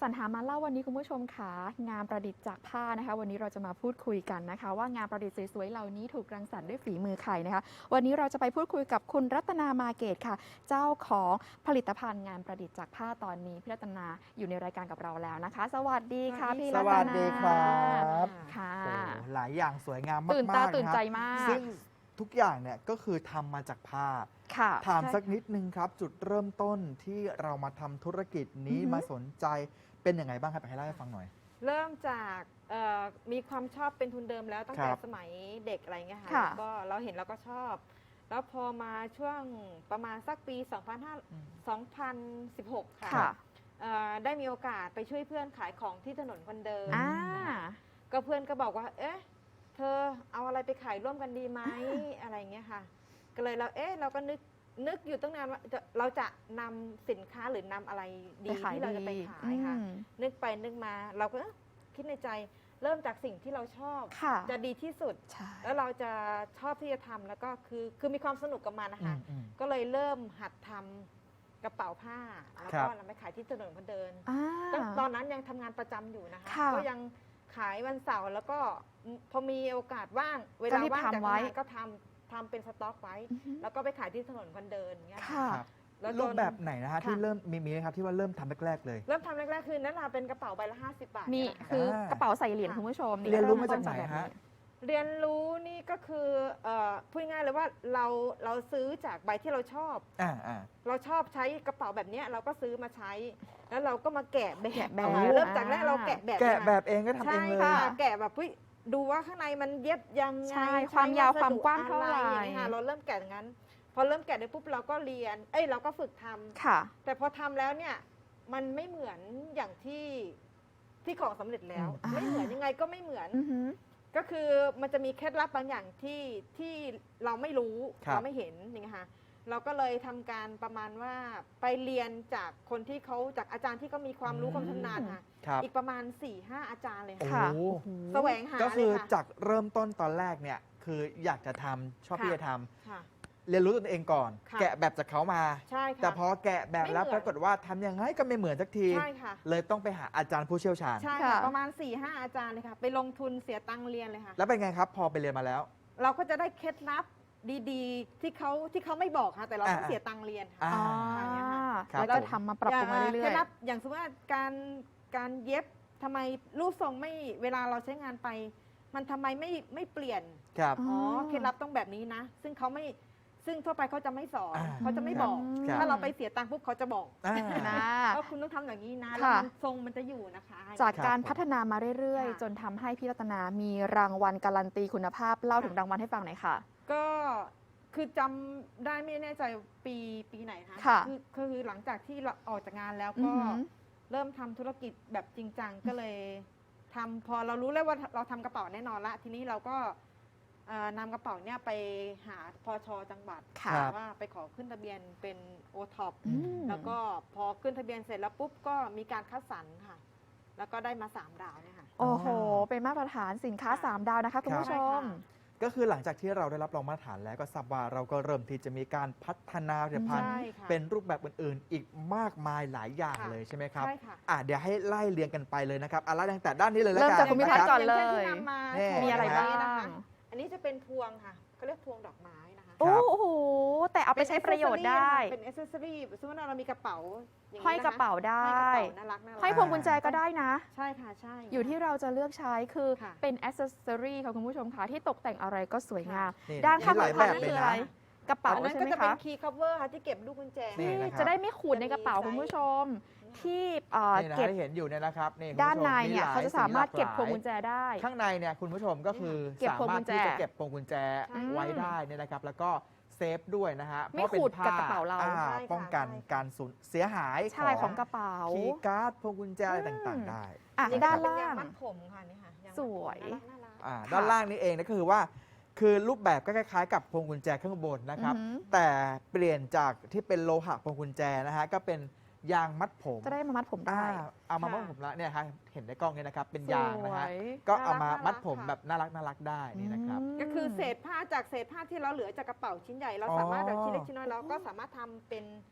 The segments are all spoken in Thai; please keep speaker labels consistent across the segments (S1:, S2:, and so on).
S1: สรรหามาเล่าวันนี้คุณผู้ชมค่ะงานประดิษฐ์จากผ้านะคะวันนี้เราจะมาพูดคุยกันนะคะว่างานประดิษฐ์สวยๆเหล่านี้ถูกรังสรรค์ด้วยฝีมือใครนะคะวันนี้เราจะไปพูดคุยกับคุณรัตนามาเกตค่ะเจ้าของผลิตภัณฑ์งานประดิษฐ์จากผ้าตอนนี้พี่รัตนาอยู่ในรายการกับเราแล้วนะคะสวัสดีค่ะพี่รัตนา
S2: สวัสดีครับ
S1: ค่ะ
S2: โอ้หลายอย่างสวยงามมากๆ
S1: ตื่นตาตื่นใจ
S2: นะครับ
S1: มาก
S2: ซึ่งทุกอย่างเนี่ยก็คือทำมาจากผ้า
S1: ค่ะ
S2: ถาม
S1: ใช่
S2: สักนิดนึงครับ จุดเริ่มต้นที่เรามาทำธุรกิจนี้
S1: อือฮึ
S2: มาสนใจเป็นยังไงบ้างครับให้เล่าให้ฟังหน่อย
S3: เริ่มจากมีความชอบเป็นทุนเดิมแล้วตั้ง
S2: ค
S3: แต่
S2: รับ
S3: สมัยเด็กอะไรเงี้ยค่ะ
S1: ค่ะ
S3: แล้วก็เราเห็นเราก็ชอบ แล้วพอมาช่วงประมาณสักปี 2016 ค่ะ
S1: ค่ะ
S3: ได้มีโอกาสไปช่วยเพื่อนขายของที่ถนนคนเดิน
S1: อ่า
S3: ก็เพื่อนก็บอกว่า เอ๊ะ เธอเอาอะไรไปขายร่วมกันดีไหมอะไรเงี้ยค่ะ ก็เลยเราก็นึกอยู่ตั้งนานว่าเราจะนำสินค้าหรือนำอะไรดี
S1: ไปขาย
S3: ที่เราจะไป
S1: ดี
S3: ขายค่ะ
S1: อืม
S3: นึกไปนึกมาเราก็คิดในใจเริ่มจากสิ่งที่เราชอบ
S1: ค่ะ
S3: จะดีที่สุด
S1: ใช่
S3: แล้วเราจะชอบที่จะทำแล้วก็คือมีความสนุกกับมันนะคะ
S2: อืม
S3: ก็เลยเริ่มหัดทำกระเป๋าผ้าแล้ว
S2: ครั
S3: ก็
S2: บ
S3: นำไปขายที่ถนนคนเดิน
S1: อ่า
S3: ตอนนั้นยังทำงานประจำอยู่นะคะ
S1: ค่ะ
S3: ก็ยังขายวันเสาร์แล้วก็พอมีโอกาสว่างเว
S1: ก็
S3: ลา
S1: รีบ
S3: ว่างจาก
S1: ทำไว้
S3: ทำงานก็ทำเป็นสต็อกไว้
S1: อือฮึ
S3: แล้วก็ไปขายที่ถนนคนเดินอย่างเงี้ย
S1: ค่ะ
S2: ครับ
S3: แล้วจน
S2: รูปแบบไหนนะฮะ
S3: ค่ะ
S2: ที่เริ่มมีไหมครับที่ว่าเริ่มทำแรกๆเลย
S3: เริ่มทำแรกๆคือนั่นแหละเป็นกระเป๋าใบละ50 บาท
S1: มี
S3: เนี่ยนะคะ
S1: คือกระเป๋าใส่เหรียญ
S3: ค่ะ
S1: คุณผู้ชม
S2: เรียนรู้มา
S1: เต้
S2: จากไหน
S1: แบบ
S2: ฮะ
S3: เรียนรู้นี่ก็คือพูดง่ายเลยว่าเราซื้อจากใบที่เราชอบ
S2: อ่า
S3: เราชอบใช้กระเป๋าแบบเนี้ยเราก็ซื้อมาใช้ แล้วเราก็มาแกะแบบ
S1: แกะแบบ
S3: เริ่มจากแรกเราแกะแบบ
S2: แกะ
S3: น
S2: แบบเองก็ทำเอ
S3: ใช่
S2: งเลย
S3: ค่ะแกะแบบดูว่าข้างในมันเย็บยังไง
S1: ใช่
S3: ใช้
S1: ความยาว
S3: สดุ
S1: ความกว้างเท่าไหร่
S3: อะอย่างงี้ยค่ะเราเริ่มแกะอย่างนั้น พอเริ่มแกะได้ปุ๊บเราก็เรียนเราก็ฝึกทำ
S1: ค่ะ
S3: แต่พอทำแล้วเนี่ยมันไม่เหมือนอย่างที่ของสำเร็จแล้ว
S1: อ่า
S3: ไม่เหมือนยังไงก็ไม่เหมือน
S1: อือหือ
S3: ก็คือมันจะมีเคล็ดลับบางอย่างที่เราไม่รู้
S2: ครับ
S3: เราไม่เห็นอย่างเงี้ยค่ะเราก็เลยทำการประมาณว่าไปเรียนจากคนที่เขาจากอาจารย์ที่เขามีความรู้ความชำนาญค่ะ
S2: ครับ
S3: อีกประมาณ 4-5 อาจารย์เลย
S2: โอ้
S3: ค่ะ
S2: โห
S3: แสวงหา
S2: ก็คือ
S3: เลยค่ะ
S2: จากเริ่มต้นตอนแรกเนี่ยคืออยากจะทำชอบ
S3: ค่ะ
S2: ที่จะทำ
S3: ค่ะ
S2: เรียนรู้ตัวเองก่อน
S3: ค่ะ
S2: แกะแบบจากเขามา
S3: ใช่ค่ะ
S2: แต่พอแกะแบบแล้ว
S3: ไม่เหมื
S2: ป
S3: อน
S2: รากฏว่าทำยังไงก็ไม่เหมือนสักที
S3: ใช่ค่ะ
S2: เลยต้องไปหาอาจารย์ผู้เชี่ยวชาญ
S3: ใช่
S1: ค่ะ
S3: ค่ะประมาณ 4-5 อาจารย์เลยค่ะ ไปลงทุนเสียตังค์เรียนเลยค่ะ
S2: แล้วเป็นไงครับ พอไปเรียนมาแล้ว
S3: เราก็จะได้เคล็ดลับดีๆ ที่เขาไม่บอกค่ะแต่เราต้อง
S2: อ่า
S3: เสียตังค์เรียน
S2: อ่า
S3: ค่ะ
S1: อ๋อ
S2: ครับ
S1: แล้วก็
S2: ผม
S1: ทำมาปรับปรุงมาเรื่
S3: เค
S1: อ
S3: ล็
S1: ย
S3: ดลับอย่างสมมติว่าการเย็บทำไมรูปทรงไม่เวลาเราใช้งานไป มันทำไมไม่เปลี่ยน
S2: ครับ
S1: อ๋อ
S3: อ๋อเคล็ดลับต้องแบบนี้นะ ซึ่งทั่วไปเขาจะไม่สอน
S2: อ่า
S3: เขาจะไม่บอก
S2: ครับ
S3: ถ้าเราไปเสียตังค์ปุ๊บเขาจะบอก
S2: อ่า
S1: ๆนะ
S3: ว่าคุณต้องทำอย่างนี้นะ
S1: ค่ะ
S3: แล้วมันทรงมันจะอยู่นะคะ
S1: จาก
S2: ครับ
S1: การพัฒนามาเรื่อย
S3: ค่ะ
S1: ๆ จนทำให้พี่รัตนามีรางวัลการันตีคุณภาพเล่าถึงรางวัลให้ฟังหน่อยค่ะ
S3: ก็คือจำได้ไม่แน่ใจปีไหนคะ
S1: ค่ะ
S3: คือหลังจากที่เราออกจากงานแล้ว
S1: อื
S3: ก็
S1: อหือ
S3: เริ่มทำธุรกิจแบบจริงจังก็เลยทำพอเรารู้แล้วว่าเราทำกระเป๋าแน่นอนละทีนี้เราก็นำกระเป๋าเนี่ยไปหาพชจังหวัด
S1: ค่ะ
S3: ว่าไปขอขึ้นทะเบียนเป็นโอท็อป
S1: อืม
S3: แล้วก็พอขึ้นทะเบียนเสร็จแล้วปุ๊บก็มีการคัดสรรค่ะ แล้วก็ได้มา3 ดาวเนี่ยค่ะ
S1: โอ้โห เป็นมาตรฐานสินค้า
S3: ค่ะ
S1: 3 ดาวนะคะคุณผู้ช
S3: ใช่
S1: ม
S3: ค่ะ
S2: ก็คือหลังจากที่เราได้รับรองมาตรฐานแล้วก็ทราบว่าเราก็เริ่มที่จะมีการพัฒนาผลิตภัณฑ์
S3: ใช่ค่ะ
S2: เป็นรูปแบบอื่นๆ อีกมากมายหลายอย่าง
S3: ค่ะ
S2: เลยใช่ไหมครับ
S3: ใช่ค่ะ
S2: เดี๋ยวให้ไล่เรียงกันไปเลยนะครับไล่ตั้งแต่ด้านนี้เลยแล้ว
S1: เริ่ม
S2: กัน
S1: จากคุณพิพัฒน์ก่อน
S2: นะ
S1: เล
S2: รับ
S1: ย
S3: ที่นำมา
S2: นี่
S3: โชว์
S1: มีอะไร
S3: ใน
S1: บ้า
S3: วันนี้นะคะ
S1: ง
S3: อันนี้จะเป็นพวงค่ะเขาเรียกพวงดอกไม้นะคะ
S1: โอ้โห แต่เอาไปใช้ประโยชน์ได้
S3: เป็นอ c เซสซอรี่สมมติว่าเรามีกระเป๋าางนี้
S1: ห้อยกระเป๋าได้
S3: ห้อยกระเป๋าน่ารักน่ารัก
S1: ห้อยพวงกุญแจก็ได้นะ
S3: ใช่ค่ะใช่
S1: อยู่ที่เราจะเลือกใช้คือ
S3: ค่ะ
S1: เป็นอ c เซสซอรี่ค่ะคุณผู้ชมค่ะที่ตกแต่งอะไรก็สวยงาม
S2: นี่
S1: ด้านข้าง
S2: มีหลาย
S1: พัน
S2: แบบ
S1: นั่น
S2: เลย
S1: คือ
S2: นะ
S1: อะไร กระเป๋า
S3: อันนั้น
S1: ใช่
S3: ก็
S1: ไหม
S3: จะเป็น
S1: คะ
S3: คีย์คัฟเวอร์ค่ะที่เก็บลูกกุญแจ
S2: นี่
S1: นี่
S2: นะครับ
S1: จะได้ไม่ขูดในกระเป๋า
S3: จะมี
S1: คุณผู้ชม ที่
S2: นี่นะ
S1: เก็บ
S2: ที่เห็นอยู่เนี่ยนะครับนี่คุณ
S1: ด้าน
S2: ผู้ชม
S1: ในเนี่ย
S2: หล
S1: เขาจะสามารถเก็บพวง
S2: สีหล
S1: กุญแจได้
S2: ข้างในเนี่ยคุณผู้ชมก็คือ
S1: เก็บ
S2: สา
S1: พวง
S2: มาร
S1: กุ
S2: ถ
S1: ญแจ
S2: ที่จะเก็บพวงกุญแจ
S3: ใช่
S2: ไว้ได้เนี่ยนะครับ แล้วก็เซฟด้วยนะฮะ
S1: ไม่ขูดกับกระเป๋าเรา
S2: อ่
S3: ใช่ค่ะ
S2: ป้องกัน
S3: ใช่ค่ะ
S2: การสูญเสียหาย
S1: ใช่ของกระเป๋า
S2: คีย์การ์ดพวงกุญแจอะไรต่างๆได้
S1: อ่ะ
S3: นี่ก็
S1: ด้าน
S3: จะเป็น
S1: ล่าย
S3: าง
S1: ง
S3: มัดผมค่ะนี่ค่ะางมัดผม
S1: สวย
S3: น่ารัก
S2: อ่า
S1: ค่ะ
S2: ด้านล่างนี้เองนะก็คือว่า คือรูปแบบก็คล้ายๆ กับพวงกุญแจข้างบนนะครับ
S1: อือหือ
S2: แต่เปลี่ยนจากที่เป็นโลหะพวงกุญแจนะฮะก็เป็นยางมัดผม
S1: จะได้มามัดผมได้
S2: เอามามัดผมแล้วเนี่ยครับเห็นในกล้องเนี่ยนะครับเป็นยางนะฮะ
S1: สวย
S2: ก็เอามา
S3: น่ารัก
S2: มัดผม
S3: ค่ะ
S2: แบบน่ารักได้นี่นะครับ
S3: ก็คือเศษผ้าจากเศษผ้าที่เราเหลือจากกระเป๋าชิ้นใหญ่เราสามารถแบบชิ้นเล็กชิ้นน้อยเราก็สามารถทำเป็น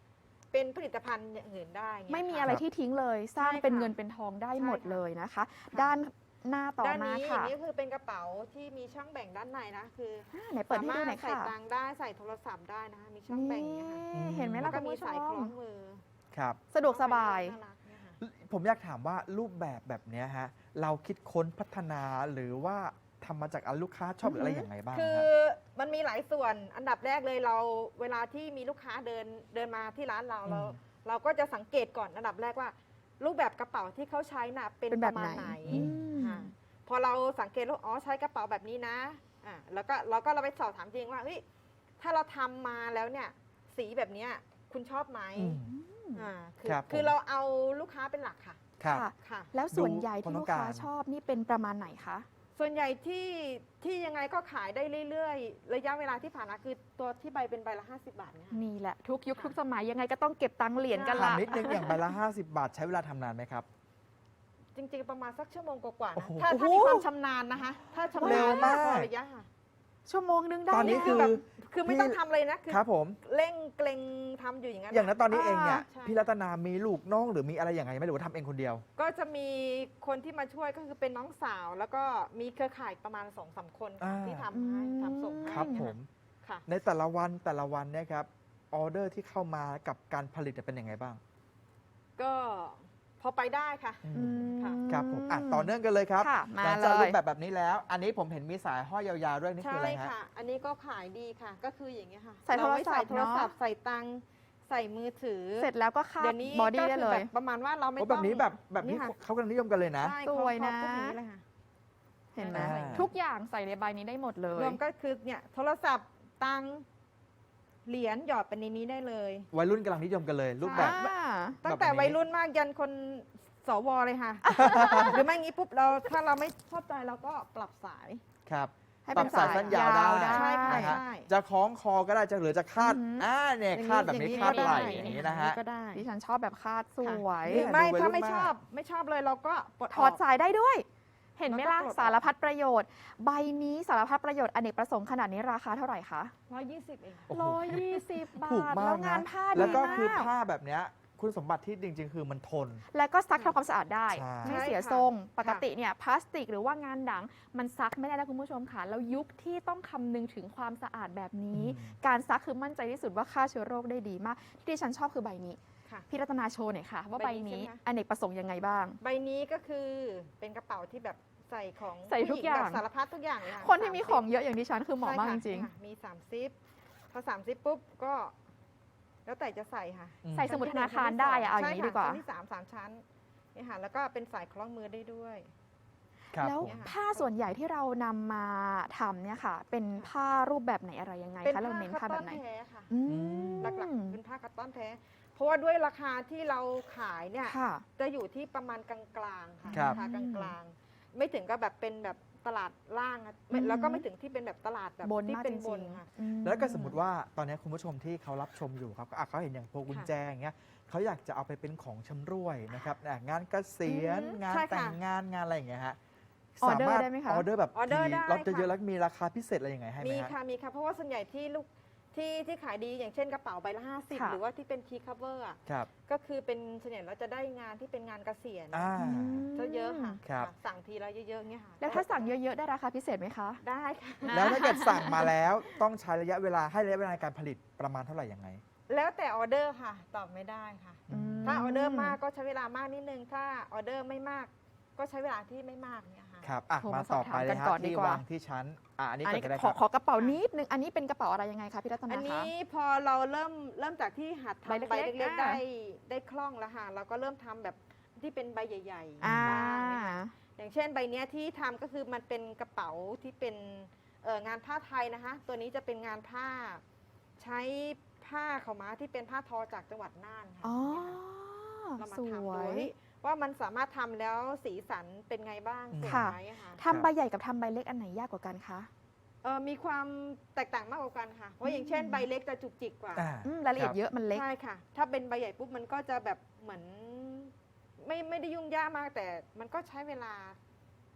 S3: เป็นผลิตภัณฑ์อย่างอื่นได้เงี้ย
S1: ไม่มี
S3: ค่
S1: อะไรที่ทิ้งเลย สร้าง
S3: ใช่ค่ะ
S1: เป็นเงินเป็นทองได้หมด
S3: ใช่ค่ะ
S1: เลยนะคะ
S3: ค่ะ
S1: ด้านหน้าต่อ
S3: ด้าน
S1: มา
S3: นี้อ
S1: ค่ะ
S3: ย่างนี้คือเป็นกระเป๋าที่มีช่องแบ่งด้านในนะคือ
S1: ไหนเปิดให้ดูหน่อย
S3: สามารถใส่
S1: ค่ะ
S3: ตังค์ได้ใส่โทรศัพท์ได้นะคะมีช่องแบ่งอย่างเงี้ยค่ะ
S1: นี่เห็นไหม
S3: แล้
S1: ล่ะ
S3: วก็
S1: คุณ
S3: มี
S1: ผู้ช
S3: สายคล้อ
S1: ม
S3: งมือ
S2: ครับ
S1: สะดวกสบาย
S3: น่ารักเนี่ยค่ะ
S2: ผมอยากถามว่ารูปแบบเนี้ยฮะเราคิดค้นพัฒนาหรือว่าทำมาจากลูกค้าชอบหรืออะไรอย่างไรบ้าง
S3: คือ
S2: ฮะ
S3: มันมีหลายส่วนอันดับแรกเลยเราเวลาที่มีลูกค้าเดินมาที่ร้านเรา
S2: อืม
S3: เราก็จะสังเกตก่อนอันดับแรกว่า รูปแบบกระเป๋าที่เขาใช้น่ะเป็น
S1: เป็น
S3: ป
S1: แบบ
S3: ระมาณ
S1: ไหน
S3: ไหน
S1: อืม
S3: ค่ะพอเราสังเกตว่าอ๋อใช้กระเป๋าแบบนี้นะแล้วก็เราไปสอบถามจริงว่าเฮ้ยถ้าเราทำมาแล้วเนี่ยสีแบบเนี้ยคุณชอบไหม
S2: อืม ครับผม
S3: คือเราเอาลูกค้าเป็นหลักค่ะ
S2: ครับ
S1: ค่ะ
S3: ค่ะ
S1: แล้วส่วนใหญ่
S2: ดูความ
S1: ที่
S2: ต้
S1: ลู
S2: อก งการ
S1: ค้าชอบนี่เป็นประมาณไหนคะ
S3: ส่วนใหญ่ที่ยังไงก็ขายได้เรื่อยๆ ระยะเวลาที่ผ่านมาคือตัวที่ใบเป็นใบละ50 บาทเนี่ยค่ะ
S1: นี่แหละทุกยุค
S3: ค่ะ
S1: ทุกสมัยยังไงก็ต้องเก็บตังค์เหรียญกัน
S2: ถาม
S1: ละ
S2: นิดนึงอย่างใบละ 50 บาทใช้เวลาทำนานไหมครับ
S3: จริงๆ ประมาณสักชั่วโมงกว่าๆ
S2: โอ้
S3: นะ
S2: โห
S3: ถ้ามีความชำนาญนะคะ ถ้าชำ
S2: เร็
S3: นาญ
S2: วมาก
S3: พอระยะค่ะ
S1: ชั่วโมงนึงได้
S2: ตอนนี้
S1: ะ
S2: คือ
S3: แบบคือไม่ต้องทำเลยนะ คือ
S2: ครับผม
S3: เร่งเกรงทำอยู่อย่างนั้น
S2: อย่างนั้นตอนนี้เองเนี่ย
S3: ใช่
S2: พี่รัตนามีลูกน้องหรือมีอะไรอย่างไรไหมหรือว่าทำเองคนเดียว
S3: ก็จะมีคนที่มาช่วยก็คือเป็นน้องสาว แล้วก็มีเครือข่ายประมาณ2-3 คนค่ะ
S2: อ่า
S3: ที่ทำให้ทำส่งให้
S2: ครับ
S3: นะะ
S2: ผม
S3: ค่ะ
S2: ในแต่ละวันเนี่ยครับออเดอร์ที่เข้ามากับการผลิตเป็นยังไงบ้าง
S3: ก็พอไปได้ค่ะ
S1: อืม
S3: ค่ะ
S2: ครับผมต่อเนื่องกันเลยครับ
S1: ค่ะมา
S2: หลังจาก
S1: เลย
S2: รูปแบบนี้แล้ว อันนี้ผมเห็นมีสายห้อยยาวๆด้วยนี่คือ
S3: ใช่
S2: อะไรฮะ
S3: ค่ะ อันนี้ก็ขายดีค่ะ ก็คืออย่างเงี้ยค่ะ
S1: ใส่โทรศัพท์
S3: เาไว้ใส่โทรศัพท์ใส่ตังค์ใส่มือถือ
S1: เสร็จแล้วก็คาด
S3: เดี๋ยวนี้
S1: บอดี้
S3: ก็
S1: ได้
S3: คื
S1: เล
S3: แบ
S1: ย
S3: บประมาณว่าเราไม่
S2: โอ้
S3: ต้
S2: แบ
S3: อง
S2: บนี้แบบนี้
S3: ค่ะ
S2: เขากำลังนิยมกันเลยนะ
S3: ใช่
S1: สวยนะ
S3: พวกนี้เลยค่ะ
S1: เห็นไหม
S2: อ่า
S1: ทุกอย่างใส่ในใบนี้ได้หมดเลย
S3: รวมก็คือเนี่ยโทรศัพท์ตังค์เหรียญหยอดไปในนี้ได้เลย
S2: วัยรุ่นกำลังนิยมกันเลย รูปแบบ
S1: อ่า
S3: ตั้งแต่
S2: แบบนี้
S3: วัยรุ่นมากยันคนสวเลยค่ะ หรือไม่งี้ปุ๊บถ้าเราไม่ชอบใจเราก็ปรับสาย
S2: ครับ
S1: ให้
S2: ปรั
S1: เป็
S2: บ
S1: น
S2: สายสั้นยาวได้
S3: ใช่ค่ะ
S2: นะฮะ
S3: ใช่
S2: จะคล้องคอก็ได้จะหรือจะคาด
S1: อือหือ
S2: เนี่ยคาดแบบนี้
S3: อย่ง
S2: คาดไหล่
S3: ก็
S2: อย่างนี้นะฮะ
S3: ก็ได้
S1: ดิฉันชอบแบบคาดสวย
S3: หรือไม่
S2: ดูวัยรุ่น
S3: ถ้าไม่
S2: มาก
S3: ชอบเลยเราก็ปลด
S1: ถอดสายได้ด้วย เห็นไหมล่ะ
S3: แล้วก็ปลดออก
S1: สารพัดประโยชน์ ใบนี้สารพัดประโยชน์อเนกประสงค์ขนาดนี้ราคาเท่าไหร่คะ
S3: 120 เอง
S2: โอ้โห
S1: 120 บา
S2: ถูก
S1: ท
S2: มา
S1: แล้
S2: ก
S1: วงา
S2: นะ
S1: นผ้า
S2: แล้ว
S1: ดี
S2: ก็คือ
S1: มาก
S2: ผ้าแบบเนี้ยคุณสมบัติที่จริง ๆ คือมันทน
S1: แล้วก็ซักทำความสะอาดได้
S2: ใช่
S1: ไม่เสีย
S3: ใช่ค่ะ
S1: ทรง
S3: ค่ะ
S1: ปกติเนี่ยพลาสติกหรือว่างานหนังมันซักไม่ได้แล้วคุณผู้ชมค่ะ แล้วยุคที่ต้องคำนึงถึงความสะอาดแบบนี้ การซักคือมั่นใจที่สุดว่าฆ่าเชื้อโรคได้ดีมาก ที่ดิฉันชอบคือใบนี้
S3: ค่ะ
S1: พี่รัตนาโชว์หน่อยค่ะ ว่าใบ
S3: ใบนี้
S1: นี้
S3: ใช่ไหมคะ
S1: อเนกประสงค์ยังไงบ้าง
S3: ใบนี้ก็คือเป็นกระเป๋าที่แบบใส่ของ
S1: ใส่ทุก
S3: ผู้หญิ
S1: อย่าง
S3: แบบสารพัดทุกอย่างเลยะ
S1: คนที่มี
S3: 30
S1: ของเยอะอย่างดิฉันคือเหมาะมากจ
S3: ใช่
S1: ริง
S3: ค่ะมี3ซิปพอ3ซิปปุ๊บก็ แล้วแต่จะใส่ค่ะ
S1: ๆ ใส่สมุดธนาคารได้อะเอาอย่างนี้ดีกว่า
S3: ชั้นที่3ชั้นนี่ค่ะแล้วก็เป็นสายคล้องมือได้ด้วย
S2: ครับ
S1: แล้ว
S2: ผม
S3: เนี่ยค่ะ
S1: ผ้าส่วนใหญ่ที่เรานำมาทำเนี่ยค่ะ เป็นผ้ารูปแบบไหนอะไรยังไง
S3: เป็น
S1: คะเราเน้นผ้า
S3: คัต
S1: แบ
S3: ตอบ น
S1: ไหน
S3: แท้ค่ะ
S1: อืม
S3: หลักๆเป็นผ้าคัตตอนแท้ เพราะว่าด้วยราคาที่เราขายเนี่ย
S1: ค่ะ
S3: จะอยู่ที่ประมาณกลางๆค่ะ
S2: ครับ
S3: ราคากลางๆ ไม่ถึงก็แบบเป็นแบบตลาดล่างอะไม่
S1: อืม
S3: แล้วก็ไม่ถึงที่เป็นแบบตลาดแบบ
S1: บน
S3: ที่
S1: มาก
S3: เป็น
S1: จ
S3: บ
S1: ริ
S3: น
S1: ง
S3: ค่ะ
S1: ๆอืม
S2: แล้วก็สมมติว่าตอนนี้คุณผู้ชมที่เขารับชมอยู่ครับเขาเห็นอย่างพวงกุญแจอย่างเงี้ยเขาอยากจะเอาไปเป็นของชำร่วยนะครับงานเกษียณ
S1: อืม
S2: งาน
S3: ใช่ค่ะ
S2: แต่งงานงานอะไรอย่างเงี้ยฮะ
S1: ออเดอร์
S2: สามารถ
S1: ได้ไหมคะ
S2: ออเดอร์แบบ
S3: ออเดอร์ได้
S2: ล็อตเยอะ
S3: ค่ะ
S2: ๆแล้วมีราคาพิเศษอะไรยังไงให้ไหม
S3: มี
S2: ฮะ
S3: ค่ะมีค่ะเพราะว่าส่วนใหญ่ที่ลูกที่ขายดีอย่างเช่นกระเป๋าใบละ50
S1: ค่ะ
S3: หรือว่าที่เป็นทีคัฟเวอร์อะ
S2: ครับ
S3: ก็คือเป็นส่วนใหญ่เราจะได้งานที่เป็นงานเกษียณ
S2: อ่า
S3: จะเยอะค่ะ
S2: ครับ
S3: ค่ะสั่งทีละเยอะๆเงี้ยค่ะ
S1: แล้วถ้าสั่งเยอะๆ ได้ราคาพิเศษไหมคะ
S3: ได้ค่ะ
S2: แล้วถ้าเกิดสั่งมาแล้วต้องใช้ระยะเวลาให้ระยะเวลาในการผลิตประมาณเท่าไหร่ยังไง
S3: แล้วแต่ออเดอร์ค่ะ ตอบไม่ได้ค่ะ
S2: อืม
S3: ถ้าออเดอร์มากก็ใช้เวลามากนิดนึง ถ้าออเดอร์ไม่มาก ก็ใช้เวลาที่ไม่มากเนี่ยค่ะ
S2: ครับ
S1: โทร
S2: มา
S1: มาส
S2: ต่
S1: อ
S2: อบ
S1: ถาม
S2: ไปเล
S1: กั
S2: ย
S1: น
S2: ฮะ
S1: ก่อนดี
S2: ที่
S1: กว่า
S2: วางที่ชั้นอันนี้
S1: อัน
S2: ก่อน
S1: นี้
S2: ก็ได้
S1: ข
S2: ค
S1: อ
S2: รับ
S1: ขอกระเป๋านิดนึง อันนี้เป็นกระเป๋าอะไรยังไงคะพี่รัต
S3: อั
S1: นาน คะ
S3: นี้พอเราเริ่มจากที่หัด
S1: ใบ
S3: ทำ
S1: เล็กๆ
S3: ใบเล็กๆ
S1: อ่า
S3: ได้คล่องแล้วค่ะ เราก็เริ่มทำแบบที่เป็นใบใหญ่ๆ
S1: อ่า
S3: บ้างเนี่ยค่ะอย่างเช่นใบเนี้ยที่ทำก็คือมันเป็นกระเป๋าที่เป็นงานผ้าไทยนะคะ ตัวนี้จะเป็นงานผ้า ใช้ผ้าขาวม้าที่เป็นผ้าทอจากจังหวัดน่านค่ะ
S1: อ๋อ
S3: เนี่ยค่ะเรามา
S1: ส
S3: ทำ
S1: ว
S3: ดู
S1: ย
S3: ว่ามันสามารถทำแล้วสีสันเป็นไงบ้างสวย
S1: ค่ะ
S3: ไหมอะค่ะ
S1: ทำใบใหญ่กับทำใบเล็กอันไหนยากกว่ากันคะ
S3: มีความแตกต่างมากกว่ากันค่ะ เพราะอย่างเช่นใบเล็กจะจุกจิกกว่า
S2: อ่า
S1: รายละเอียด
S2: ครับ
S1: เยอะมันเล็ก
S3: ใช่ค่ะ ถ้าเป็นใบใหญ่ปุ๊บมันก็จะแบบเหมือนไม่ได้ยุ่งยากมากแต่มันก็ใช้เวลา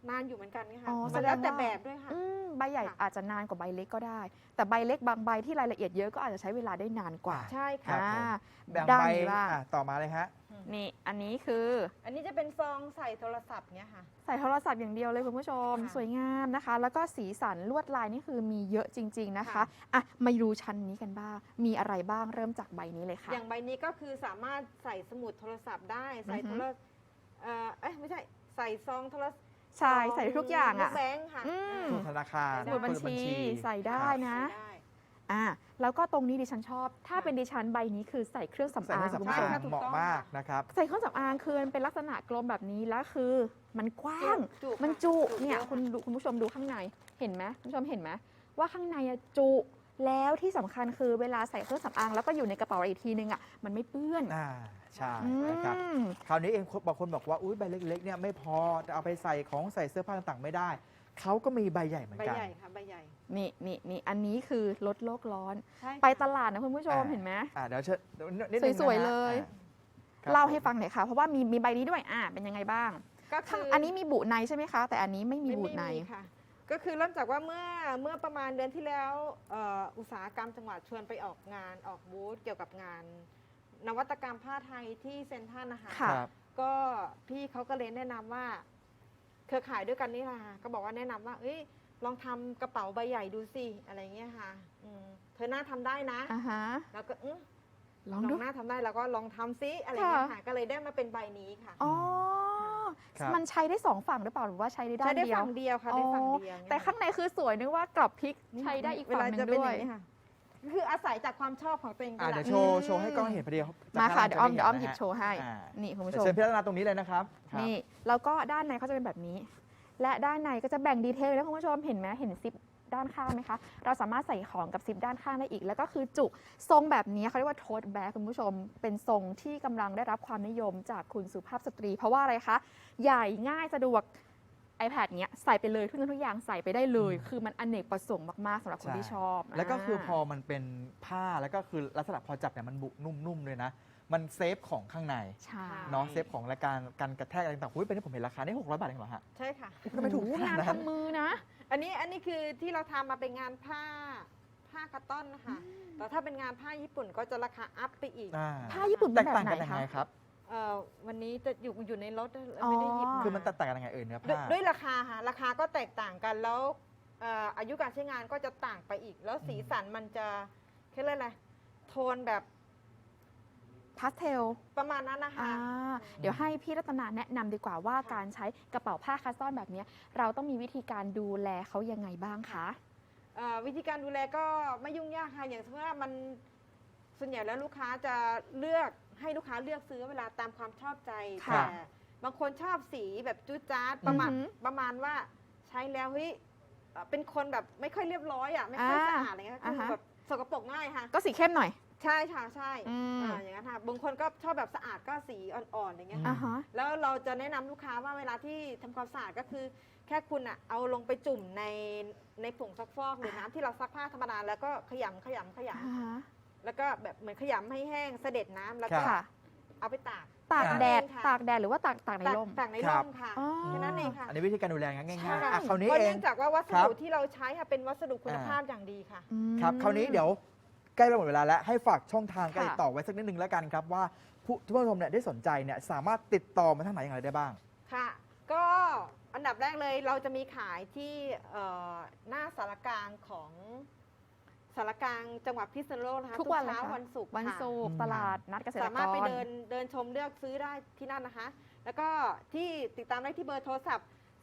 S3: นานอยู่เหมือนกันค่ะ
S1: อ๋อ
S3: มันแล้ว
S1: แสด
S3: แต่
S1: งว่า
S3: แบบด้วยค่ะ
S1: ใบใหญ่
S3: ค่ะ
S1: อาจจะนานกว่าใบเล็กก็ได้ แต่ใบเล็กบางใบที่รายละเอียดเยอะก็อาจจะใช้เวลาได้นานกว่า
S3: ใช่
S2: ครั
S3: ค่ะ
S2: บผม แบ่ง
S1: ด้าน
S2: ใบ
S1: นี้บ้าง
S2: ต่อมาเลยฮะ
S1: นี่อันนี้คือ
S3: อันนี้จะเป็นซองใส่โทรศัพท์เนี่ยค่ะ
S1: ใส่โทรศัพท์อย่างเดียวเลยคุณผู้ชม
S3: ค่ะ
S1: สวยงามนะคะ แล้วก็สีสันลวดลายนี่คือมีเยอะจริง ๆนะคะ
S3: ค่ะ
S1: อ่ะมาดูชั้นนี้กันบ้าง มีอะไรบ้างเริ่มจากใบนี้เลยค่ะ
S3: อย่างใบนี้ก็คือสามารถใส่สมุดโทรศัพท์ได้ ใส่
S1: อือฮึ
S3: โทรไม่ใช่ ใส่ซองโทรศัพท์
S1: ใช่ใส่ทุกอย่างอ่ะ
S3: ลูกแบงค์ค่ะ
S1: อืม
S2: สมุดธนาคาร
S3: ได้
S1: สมุดบัญชีใส่ได้นะ
S3: ได้
S1: อ่ะแล้วก็ตรงนี้ดิฉันชอบ ถ้า
S3: ค่ะ
S1: เป็นดิฉันใบนี้คือใส่เครื่องสำ
S2: ใส่
S1: อา
S2: เครื่อง
S1: ง
S2: สำ
S1: คุณ
S2: อา
S1: ผู้ชม
S2: ง
S3: ถูก
S2: เหมาะ
S3: ต้อง
S2: มาก
S3: ค่ะ
S2: นะครับ
S1: ใส่เครื่องสำอางคือมันเป็นลักษณะกลมแบบนี้แล้วคือมันกว้าง
S3: จุ
S1: มัน
S3: ค่ะ
S1: จุเนี่ย
S3: อะ
S1: คุณผู้ชมดูข้างในเห็นไหมคุณผู้ชมเห็นไหมว่าข้างในอะจุแล้วที่สำคัญคือเวลาใส่เครื่องสำอางแล้วก็อยู่ในกระเป๋าอีกทีนึงอ่ะมันไม่เปื้อน
S2: ใช่
S1: อื
S2: นะครับ
S1: ม
S2: คราวนี้เองบางคนบอกว่าอุ้ยใบเล็กๆเนี่ยไม่พอจะเอาไปใส่ของใส่เสื้อผ้าต่างๆไม่ได้ เขาก็มีใบใหญ่เหมือน
S3: ใบ
S2: กัน
S3: ใหญ่ค่ะ ใบใหญ่
S1: นี่อันนี้คือลดโลกร้อน
S3: ใช่ค่ะ
S1: ไปตลาดนะคุณผู้ชม
S2: อ่า
S1: เห็นไหม
S2: เดี๋ยวเชิญนิดนึงนะฮะ
S1: สวยๆเลย
S2: ครับ
S1: เล่าให้ฟังหน่อยค่ะ เพราะว่ามีใบนี้ด้วยเป็นยังไงบ้าง
S3: ก็คือ
S1: อันนี้มีบุในใช่ไหมคะ แต่อันนี้ไม่มี
S3: ไม่
S1: บุใน
S3: ค่ะ ก็คือเริ่มจากว่าเมื่อประมาณเดือนที่แล้วอุตสาหกรรมจังหวัดชวนไปออกงานออกบูธเกี่ยวกับงาน นวัตกรรมผ้าไทยที่เซ็นทรัลนะคะ
S1: ค่ะ
S2: ครับ
S3: ก็พี่เขาก็เลยแนะนำว่าเครือข่ายด้วยกันนี่แหละค่ะก็บอกว่าแนะนำว่าเอ้ยลองทำกระเป๋าใบใหญ่ดูสิอะไรเงี้ยค่ะเธอหน้าทำได้นะ
S1: อ่าฮะ
S3: แล้วก็
S1: ล
S3: ล
S1: อ
S3: อง ง
S1: ดู
S3: หน้าทำได้แล้วก็ลองทำซิอะไรเงี้ยค่ะก็เลยได้มาเป็นใบนี้ค่ะ
S1: อ๋อ
S2: ครับ
S1: มันใช้ได้สองฝั่งหรือเปล่าหรือว่าใช้ได้ด้า
S3: ใช้
S1: น
S3: ได้
S1: เดียว
S3: ฝั่งเดียวค่ะได้ฝั่งเดียว
S1: แต่ข้างในคือสวยนึกว่ากรอบพริกใช้ได้อีกฝั่งหนึ่งด้วย
S3: ค่ะคืออาศัยจากความชอบของตัวเองเป็นห
S2: เดี๋
S3: ลั
S2: ยว
S3: ก
S2: โชว์ให้กล้องเห็นพอดี
S1: มาค่ะ
S2: จ
S1: เดี๋ยวอ้อม
S2: ไ
S1: เดี๋ยวอ้อมห
S2: นะ
S1: ยิบ
S2: ฮะ
S1: โชว์ให้
S2: อ่า
S1: นี่คุณผู้
S2: เดี๋
S1: ช
S2: ยวเชิ
S1: ม
S2: ญพิจารณาตรงนี้เลยนะครับครับ
S1: นี่แล้วก็ด้านในเขาจะเป็นแบบนี้ และด้านในก็จะแบ่งดีเทลแล้วคุณผู้ชมเห็นไหมเห็นซิปด้านข้างไหมคะ เราสามารถใส่ของกับซิปด้านข้างได้อีก แล้วก็คือจุทรงแบบนี้เขาเรียกว่าโทสแบ็คคุณผู้ชม เป็นทรงที่กำลังได้รับความนิยมจากคุณสุภาพสตรี เพราะว่าอะไรคะใหญ่ง่ายสะดวก iPad เนี้ยใส่ไปเลยทุกอย่างใส่ไปได้เลย คือมันอเนกประสงค์มากๆสำหรับคนที่ชอบ
S2: แล้วก็คือพอมันเป็นผ้าแล้วก็คือลักษณะพอจับเนี่ยมันบุนุ่มๆเลยนะ มันเซฟของข้างใน
S1: ใช่
S2: เนาะเซฟของและการกระแทกอะไรต่างๆอุ้ยเป็นที่ผมเห็นราคานี่600 บาทเองเหรอฮะ
S3: ใช่ค่ะ
S2: ทำไมถูก
S1: โอ้โห
S2: ขนาด
S1: งาน
S2: นั้น
S1: ทำมือนะ
S3: อันนี้คือที่เราทำมาเป็นงานผ้าคัตตอนนะคะแต่ถ้าเป็นงานผ้าญี่ปุ่นก็จะราคาอัพไปอีก
S1: ผ้าญี่ปุ่น
S2: แต
S1: เป็น
S2: ก
S1: แบบ
S2: ต่าง
S1: ไหน
S2: กันยัง
S1: คะ
S2: ไงครับ
S3: วันนี้จะอยู่ในรถ
S1: อ๋อ
S3: ไม่ได้หยิบา
S2: คือมันแตกต่างกันยังไงเนื้อ
S3: ด้วย
S2: ผ้า
S3: ด้วยราคาค่ะราคาก็แตกต่างกันแล้วอายุการใช้งานก็จะต่างไปอีก แล้วสีสันมันจะเรียกอะไรโทนแบบ
S1: พาสเทล
S3: ประมาณนั้นนะคะ
S1: เดี๋ยวให้พี่รัตนาแนะนำดีกว่าว่าการใช้กระเป๋าผ้าคัสตอนแบบนี้เราต้องมีวิธีการดูแลเขายังไงบ้างคะ
S3: วิธีการดูแลก็ไม่ยุ่งยากค่ะอย่างเช่นว่ามันส่วนใหญ่แล้วลูกค้าจะเลือกให้ลูกค้าเลือกซื้อเวลาตามความชอบใจ
S1: ค่ะ
S3: แต่บางคนชอบสีแบบจุดจ๊าดประมาณ
S1: อือหือ
S3: ประมาณว่าใช้แล้วเฮ้ยเป็นคนแบบไม่ค่อยเรียบร้อยอ่ะไม่ค่อยสะอาดอะไรเงี้ยคือแบบสกปรกง่ายค่ะ
S1: ก็สีเข้มหน่อย
S3: ใช่ค่ะใช่
S1: อืม
S3: อย่างนั้นค่ะบางคนก็ชอบแบบสะอาดก็สีอ่อนๆอย่างเงี้ย
S2: อืม
S3: ค่ะ
S1: อ่าฮะ
S3: แล้วเราจะแนะนำลูกค้าว่าเวลาที่ทำความสะอาดก็คือ แค่คุณอะเอาลงไปจุ่มในผงซักฟอกหรือน้ำที่เราซักผ้าธรรมดาแล้วก็ขยำ
S1: อ่าฮะ
S3: แล้วก็แบบเหมือนขยำให้แห้งเสด็จน้ำแล้วก็
S1: ค่ะ
S3: เอาไปตาก
S1: ตากแดด
S3: ค่ะ
S1: ตากแดดหรือว่าตากในร่ม
S3: ตากใน
S2: ครั
S3: ร่
S2: บ
S3: มค่ะ
S1: อ๋อ
S3: แค่นั้นเองค่ะ
S2: อันนี้วิธีการดูแลง่ายๆ
S3: ใช่
S2: คราวนี้
S3: เพราะ
S2: เอ
S3: เนื่
S2: ง
S3: องจากว่าวัส
S2: ครั
S3: ดุ
S2: บ
S3: ที่เราใช้ค่ะเป็นวัสดุคุณภาพอย่างดีค่ะ
S2: ครับคราวนี้เดี๋ยวใกล้จะหมดเวลาแล้วให้ฝากช่องทางการ
S1: ค่ะ
S2: ติดต่อไว้สักนิดนึงแล้วกันครับว่าผู้ชมเนี่ยได้สนใจเนี่ยสามารถติดต่อมาทางไหนอย่างไรได้บ้าง
S3: ค่ะ ก็อันดับแรกเลยเราจะมีขายที่หน้าสารกลางของสารกลางจังหวัดพิษณุโลกนะคะ
S1: ทุกวันเลย
S3: เช้า
S1: คะ
S3: วันศุกร์
S1: วัน
S3: ค่ะ
S1: ศุกร์
S2: อืม
S1: ตลาดนัดเกษตรกร
S3: สามารถไปเดินชมเลือกซื้อได้ที่นั่นนะคะ แล้วก็ที่ติดตามได้ที่เบอร์โทรศัพท์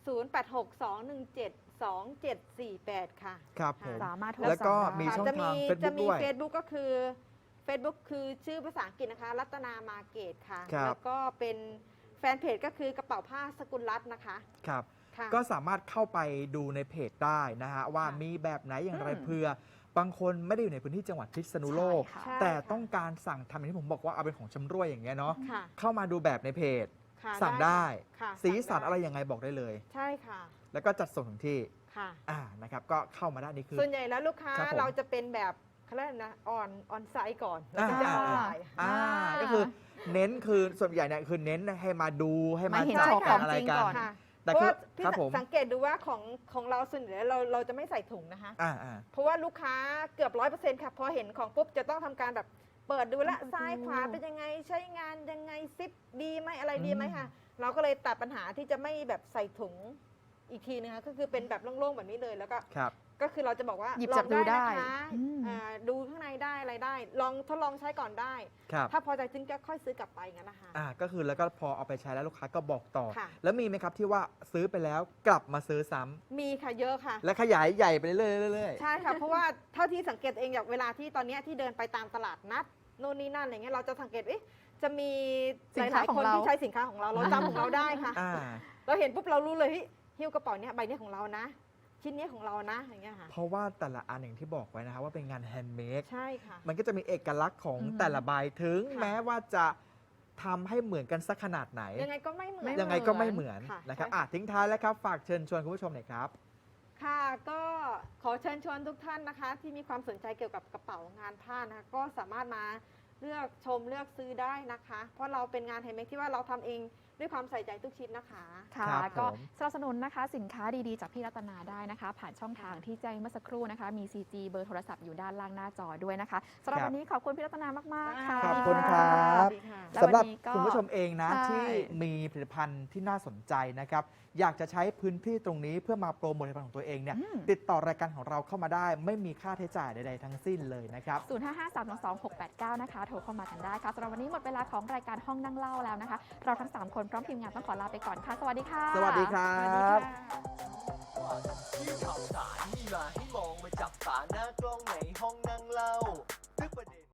S3: 0862172748 ค่ะ
S2: ครับผม
S1: สามารถโทร
S2: แล้วก็
S1: สั่งได้
S2: มี
S3: ค่ะ
S2: ช่องทาง
S3: จะ
S2: Facebook
S3: มี
S2: ด้วย
S3: Facebook ก็คือ Facebook คือชื่อภาษาอังกฤษนะคะ รัตนามาเกตค่ะ
S2: ครับ
S3: แล้วก็เป็นแฟนเพจก็คือกระเป๋าผ้าสกุลรัตน์นะคะ
S2: ครับ
S3: ค่ะ
S2: ก็สามารถเข้าไปดูในเพจได้นะฮะว่า
S3: ค่ะ
S2: มีแบบไหนอย่างไร
S1: อืม
S2: เพื่อบางคนไม่ได้อยู่ในพื้นที่จังหวัดพิษณุโลก
S1: ใช่ค่ะ
S3: ใช่
S2: แต่
S3: ค่ะ
S2: ต้องการสั่งทำอย่างที่ผมบอกว่าเอาเป็นของชำร่วยอย่างเงี้ยเนาะ
S3: ค่ะ
S2: เข้ามาดูแบบในเพจ
S3: ค่ะ
S2: สั่งได้
S3: ค่ะ
S2: สีสัน
S3: งด้
S2: อะไรยังไงบอกได้เลย
S3: ใช่ค่ะ
S2: แล้วก็จัดส่งถึงที่
S3: ค่ะ
S2: นะครับก็เข้ามาได้นี่คือ
S3: ส่วนใหญ่แล้วลูกค้า
S2: ครับผม
S3: เราจะเป็นแบบเขาเรียกอะไรนะออนไซต์ก่อน
S2: อ่า
S3: แล้วถึงจะออนไลน์
S2: ก็คือเน้นคือส่วนใหญ่เนี่ยคือเน้นให้มาดูให้มา
S1: มาเห็น
S2: จับ
S1: โชว์
S2: กัน
S1: ของ
S2: อะไร
S1: จริง
S2: กั
S1: ก่อน
S3: ค่ะ
S2: แต่
S3: เพราะ
S2: คือ
S3: ว่าพี่
S2: ครับผม
S3: สังเกตดูว่าของเราส่วนใหญ่เราจะไม่ใส่ถุงนะคะ
S2: อ่า
S3: เพราะว่าลูกค้าเกือบ100%ค่ะพอเห็นของปุ๊บจะต้องทำการแบบเปิดดูละ
S1: อืม
S3: ซ้ายขวาเป็นยังไงใช้งานยังไงซิปดีไหมอะไรดีไหมค่ะ เราก็เลยตัดปัญหาที่จะไม่แบบใส่ถุงอีกทีนึงค่ะก็คือเป็นแบบโล่งๆแบบนี้เลยแล้วก็
S2: ครับ
S3: ก็คือเราจะบอกว่า
S1: หยิบ
S3: ล
S1: จั
S3: อบ ง
S1: ดู
S3: ได้
S1: ได้
S3: นะคะ
S1: อืม
S3: ดูข้างในได้อะไรได้ ลองทดลองใช้ก่อนได้
S2: ครับ
S3: ถ้าพอใจจริงก็ค่อยซื้อกลับไปงั้นนะคะ
S2: ก็คือแล้วก็พอเอาไปใช้แล้วลูกค้าก็บอกต่อ
S3: ค่ะ
S2: แล้วมีไหมครับที่ว่าซื้อไปแล้วกลับมาซื้อซ้ำ
S3: มีค่ะเยอะค่ะ
S2: และขยายใหญ่ไปเรื่อยๆ
S3: ใช่ค่ะ เพราะว่าเท่าที่สังเกตเองอย่างเวลาที่ตอนเนี้ยที่เดินไปตามตลาดนัดโน่นนี่นั่นอะไรเงี้ยเราจะสังเกตจะมี
S1: สิ
S3: ห
S1: นค้า
S3: ลาย
S1: ขอ
S3: ๆ
S1: ง
S3: คน
S1: เรา
S3: ที่ใช้สินค้าของเราเราจำของเราได้ค่ะ
S2: อ่า
S3: เราเห็นปุ๊บเรารู้เลยเฮ้ยหิ้วกระเป๋าเนี้ยใบเนี้ยของเรานะ ชิ้นเนี้ยของเรานะอย่างเงี้ยค่ะ
S2: เพราะว่าแต่ละอันอย่างที่บอกไว้นะครับว่าเป็นงานแฮนด์เมด
S3: ใช่ค่ะ
S2: มันก็จะมีเอกลักษณ์ของ
S1: อือฮึ
S2: แต่ละใบถึง
S3: ค่ะ
S2: แม้ว่าจะทำให้เหมือนกันสักขนาดไหน
S3: ยังไงก็ไม่เหมือน
S2: ยังไงก็ไม่เหมือน
S3: ค่ะ
S2: นะครับ
S3: ใช่ค่ะ
S2: ทิ้งท้ายแล้วครับฝากเชิญชวนคุณผู้ชมหน่อยครับ
S3: ค่ะก็ขอเชิญชวนทุกท่านนะคะ ที่มีความสนใจเกี่ยวกับกระเป๋างานผ้านะคะก็สามารถมาเลือกชมเลือกซื้อได้นะคะ เพราะเราเป็นงานแฮนด์เมดที่ว่าเราทำเองด้วยความใส่ใจทุกชิ้นนะคะ
S1: ค่ะ
S2: ครับ
S1: ก็
S2: ผม
S1: สนับสนุนนะคะสินค้าดีๆ จากพี่รัตนาได้นะคะ ผ่านช่องทางที่แจ้งเมื่อสักครู่นะคะ มี CG เบอร์โทรศัพท์อยู่ด้านล่างหน้าจอด้วยนะคะสำหรับ
S2: ครับ
S1: วันนี้ขอบคุณพี่รัตนามากๆค่ะ
S2: ขอบคุณครับ
S3: สวัสดีค่ะ
S1: และ
S2: สำหรับ
S1: วันนี้ก็
S2: คุณผู้ชมเองนะ
S1: ใช่
S2: ที่มีผลิตภัณฑ์ที่น่าสนใจนะครับอยากจะใช้พื้นที่ตรงนี้เพื่อมาโปรโมทผลิตภัณฑ์ของตัวเองเนี่ย
S1: อืม
S2: ติดต่อรายการของเราเข้ามาได้ ไม่มีค่าใช้จ่ายใดๆทั้งสิ้นเลยนะครับ
S1: 0553222689 นะคะ โทรเข้ามากันได้ค่ะสำหรับวันนี้หมดเวลาของรายการห้องนั่งเล่าแล้วนะคะ เราทั้ง 3 คนพร้อมทีมงานต้องขอลาไปก่อนค่ะ สวัสดีค่ะ
S2: สวัสดีครั
S3: สวัสดี
S2: บ
S3: ค่ะ
S4: ที่ข่าวสารมีมาให้มองมาจับตาหน้ากล้องในห้องนั่งเล่า